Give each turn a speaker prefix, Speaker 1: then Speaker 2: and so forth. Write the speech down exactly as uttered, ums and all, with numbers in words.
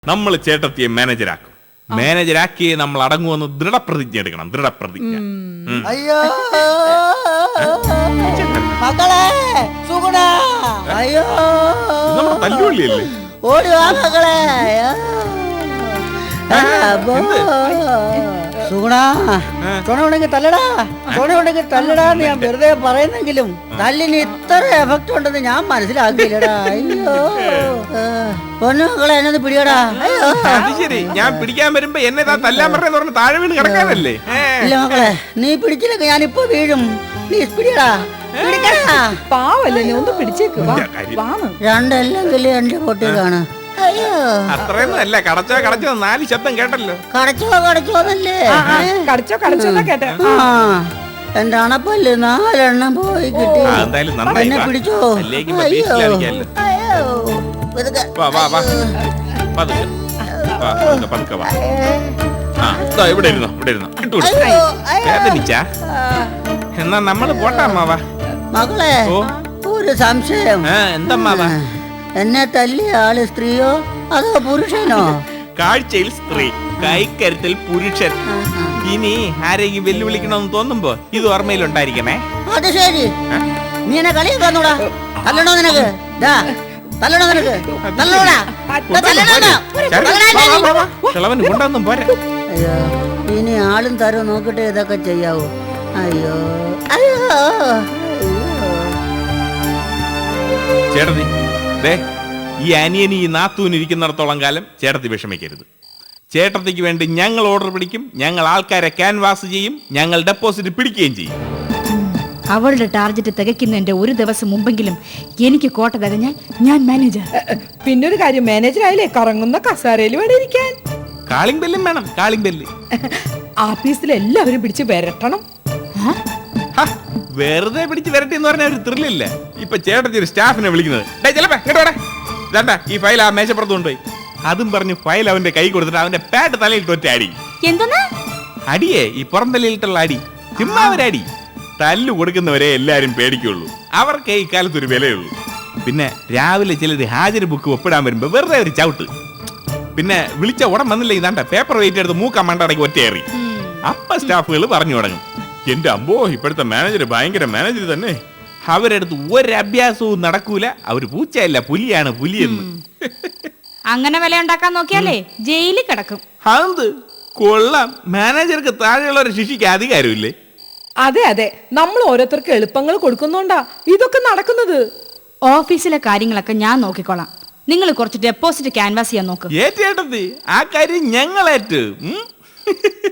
Speaker 1: നമ്മൾ ചേട്ടത്തിയെ മാനേജരാക്കും. മാനേജരാക്കിയെ നമ്മൾ അടങ്ങുമെന്ന് ദൃഢപ്രതിജ്ഞ എടുക്കണം. ദൃഢപ്രതിജ്ഞ.
Speaker 2: അയ്യോ മക്കളെ സുഗുണ, അയ്യോ
Speaker 1: നമ്മുടെ തല്ലുപള്ളിയല്ലേ?
Speaker 2: ഓടി വാ മക്കളെ. സുഗുണ, ചുണ ഉണ്ടെങ്കിൽ തല്ലടാ, ചുണ ഉണ്ടെങ്കിൽ തല്ലടാന്ന് ഞാൻ വെറുതെ പറയുന്നെങ്കിലും തല്ലിന് ഇത്ര എഫക്ട് ഉണ്ടെന്ന് ഞാൻ മനസ്സിലാക്കിയില്ലടാ. അയ്യോ പൊന്നു മക്കളെ, എന്നെ പിടിയടാ. അയ്യോ
Speaker 1: അത് ശരി, ഞാൻ പിടിക്കാൻ വരുമ്പോ എന്നെ തല്ലാൻ പറഞ്ഞെന്ന് പറഞ്ഞ് താഴെ വീണ് കിടക്കാനല്ലേ?
Speaker 2: ഇല്ല മക്കളെ, നീ പിടിച്ചില്ലെങ്കിൽ ഞാനിപ്പോ വീഴും. പ്ലീസ് പിടിയടാ, പിടിക്കടാ.
Speaker 3: പാവല്ലേ, നീ ഒന്ന് പിടിച്ചേക്ക്.
Speaker 2: രണ്ടല്ലെങ്കിലും എന്റെ പൊട്ടിക്കാണ്. അയ്യോ
Speaker 1: അത്രയൊന്നും അല്ല, കടച്ചോ കടച്ചോ നാല് ശബ്ദം കേട്ടല്ലോ.
Speaker 2: കടച്ചോ കടച്ചോന്നല്ലേ?
Speaker 3: കടിച്ചോ കടിച്ചോ കേട്ടെ.
Speaker 2: ആ എന്റെ അണപ്പല്ല് നാലെണ്ണം പോയി കിട്ടി.
Speaker 1: എന്തായാലും നന്നായി.
Speaker 2: എന്നെ പിടിച്ചോ.
Speaker 1: അല്ലെങ്കിൽ
Speaker 2: അയ്യോ
Speaker 1: ബേസിലായിരിക്കാമല്ലോ.
Speaker 2: അയ്യോ പതുക്കെ.
Speaker 1: വാ വാ വാ പതുക്കെ വാ, പതുക്കെ പതുക്കെ വാ. ആ ദാ ഇവിടെ ഇരുന്നോ, ഇവിടെ ഇരുന്നോ. ഇട്ടു
Speaker 2: അയ്യോ, അയ്യോ.
Speaker 1: വേദനിച്ചാ? എന്നാ നമ്മള് പോട്ടാമ്മാവാ.
Speaker 2: മകളെ,
Speaker 1: ഓ
Speaker 2: ഒരു സംശയം.
Speaker 1: ആ എന്തമ്മാവാ?
Speaker 2: എന്നെ തല്ലിയ ആള് സ്ത്രീയോ അതോ പുരുഷനോ?
Speaker 1: കാഴ്ചയിൽ സ്ത്രീ, കൈക്കരുത്തിൽ പുരുഷൻ. ഇനി ആരെങ്കിലും വെല്ലുവിളിക്കണമെന്ന് തോന്നുമ്പോ ഇത് ഓർമ്മയിലുണ്ടായിരിക്കണേ.
Speaker 2: അത് ശരി, നീ എന്നെ കളിയാക്കാന്നൂടാ. തല്ലണോ നിനക്ക്? ദാ, തല്ലണോ നിനക്ക്? തല്ലണോടാ. ദാ, തല്ലണോടാ. തല്ലണോടാ.
Speaker 1: കിളവന് കൊണ്ടൊന്നും പോരാ.
Speaker 2: അയ്യോ, ഇനി ആളും തരവും നോക്കിട്ട് ഇതൊക്കെ ചെയ്യാവോ? അയ്യോ അയ്യോ
Speaker 1: ചേട്ടത്തി ദേ, ഈ അനിയന് ഈ നാത്തൂന് ഇരിക്കുന്നിടത്തോളം കാലം ചേട്ടത്തി വിഷമിക്കരുത്. ചേട്ടത്തിക്ക് വേണ്ടി ഞങ്ങൾ ഓർഡർ പിടിക്കും, ഞങ്ങൾ ആൾക്കാരെ ക്യാൻവാസ് ചെയ്യും, ഞങ്ങൾ ഡെപ്പോസിറ്റ് പിടിക്കുകയും ചെയ്യും.
Speaker 4: അവളുടെ ടാർഗറ്റ് തികയ്ക്കുന്നതിന്റെ ഒരു ദിവസം മുമ്പെങ്കിലും എനിക്ക് കോട്ട തികഞ്ഞാൽ ഞാൻ മാനേജർ.
Speaker 3: പിന്നൊരു കാര്യം, മാനേജർ ആയാലേ കറങ്ങുന്ന കസാരയിൽ വേണം ഇരിക്കാൻ.
Speaker 1: കാളിംഗ് ബെല്ലും വേണം, കാളിംഗ് ബെല്ല്.
Speaker 3: ആഫീസിൽ എല്ലാവരും പിടിച്ച് വരട്ടണം.
Speaker 1: വെറുതെ പിടിച്ച് വരട്ടെ എന്ന് പറഞ്ഞ ഒരു ത്രില്ലില്ല. ഇപ്പൊ ചേട്ടത്തി ഒരു സ്റ്റാഫിനെ വിളിക്കുന്നത്, ഇതാണ്ടാ ഈ ഫയൽ ആ മേശപ്പുറത്ത് കൊണ്ടുപോയി. അതും പറഞ്ഞ് ഫയൽ അവന്റെ കൈ കൊടുത്തിട്ട് അവന്റെ പാട്ട് തലയിൽ ഒറ്റ അടി.
Speaker 4: എന്തെന്നാ
Speaker 1: അടിയേ, ഈ പുറം തലയിലിട്ടുള്ള അടി. ചുമ്മാ ഒരടി. തല്ലു കൊടുക്കുന്നവരെ എല്ലാരും പേടിക്കുള്ളൂ. അവർക്ക് ഈ കാലത്ത് ഒരു വിലയുള്ളൂ. പിന്നെ രാവിലെ ചിലർ ഹാജർ ബുക്ക് ഒപ്പിടാൻ വരുമ്പോ വെറുതെ ഒരു ചവിട്ട്. പിന്നെ വിളിച്ച ഉടൻ വന്നില്ല, ഇതാണ്ട പേപ്പർ വെയിറ്റ് എടുത്ത് മൂക്ക മണ്ടടക്കി ഒറ്റയേറി. അപ്പ സ്റ്റാഫുകൾ പറഞ്ഞു തുടങ്ങും, എന്റെ അമ്പോ ഇപ്പോഴത്തെ മാനേജർ ഭയങ്കര മാനേജർ തന്നെ. അവരെടുത്ത് ഒരു അഭ്യാസവും നടക്കൂല. അവര് പൂച്ചയല്ല, പുലിയാണ്, പുലിയെന്ന്.
Speaker 4: അങ്ങനെ വില ഉണ്ടാക്കാൻ നോക്കിയാലേ ജയിലിൽ കിടക്കും.
Speaker 1: അത് കൊള്ളാം. മാനേജർക്ക് താഴെയുള്ളവരെ ശിക്ഷിക്കാൻ അധികാരമില്ലേ?
Speaker 3: അതെ അതെ, നമ്മൾ ഓരോരുത്തർക്ക് എളുപ്പങ്ങൾ കൊടുക്കുന്നോണ്ടാ ഇതൊക്കെ നടക്കുന്നത്.
Speaker 4: ഓഫീസിലെ കാര്യങ്ങളൊക്കെ ഞാൻ നോക്കിക്കോളാം. നിങ്ങൾ കുറച്ച് ഡെപ്പോസിറ്റ് ക്യാൻവാസ് ചെയ്യാൻ നോക്ക്.
Speaker 1: ഏറ്റേട്ടത്തി, ആ കാര്യം ഞങ്ങളേറ്റ്.